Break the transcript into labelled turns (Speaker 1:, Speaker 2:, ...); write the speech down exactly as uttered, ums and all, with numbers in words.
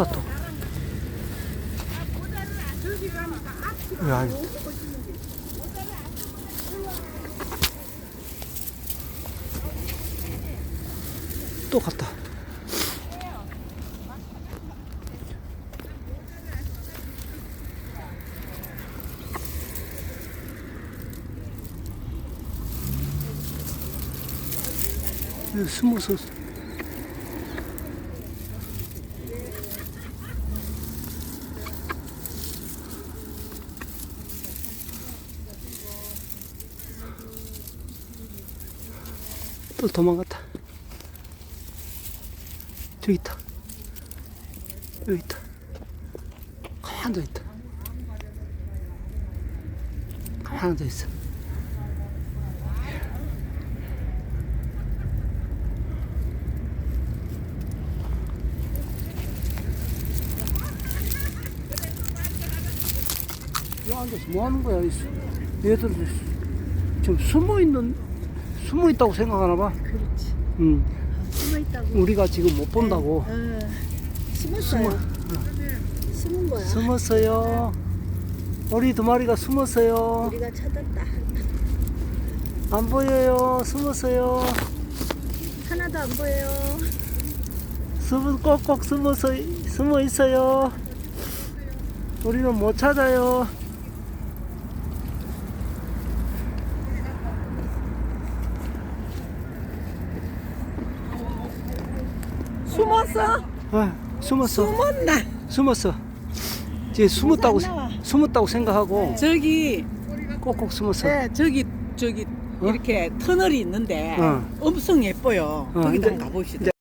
Speaker 1: 떴다 또. 야, 또 갔다. 여기 숨어서. 또 도망갔다. 저기 있다. 여기 있다. 가만히 앉아 있다. 가만히 앉아 있어. 여기 앉아서 뭐 하는 거야? 얘들 지금 숨어 있는, 숨어 있다고 생각하나 봐.
Speaker 2: 그렇지.
Speaker 1: 응.
Speaker 2: 숨어 있다고.
Speaker 1: 우리가 지금 못 본다고.
Speaker 2: 어, 숨었어요.
Speaker 1: 숨어.
Speaker 2: 숨은 거야.
Speaker 1: 숨었어요. 우리 두 마리가 숨었어요.
Speaker 2: 우리가 찾았다.
Speaker 1: 안 보여요. 숨었어요.
Speaker 2: 하나도 안 보여요.
Speaker 1: 숨은 꼭꼭 숨어서 숨어 있어요. 우리는 못 찾아요.
Speaker 2: 숨었어?
Speaker 1: 아, 숨었어.
Speaker 2: 숨었나?
Speaker 1: 숨었어. 이제 숨었다고
Speaker 2: 안 나와.
Speaker 1: 숨었다고 생각하고
Speaker 3: 저기
Speaker 1: 꼭꼭 숨었어.
Speaker 3: 네, 저기 저기
Speaker 1: 어?
Speaker 3: 이렇게 터널이 있는데
Speaker 1: 어.
Speaker 3: 엄청 예뻐요.
Speaker 1: 어,
Speaker 3: 거기
Speaker 1: 이제-
Speaker 3: 한번 가봅시다.
Speaker 1: 이제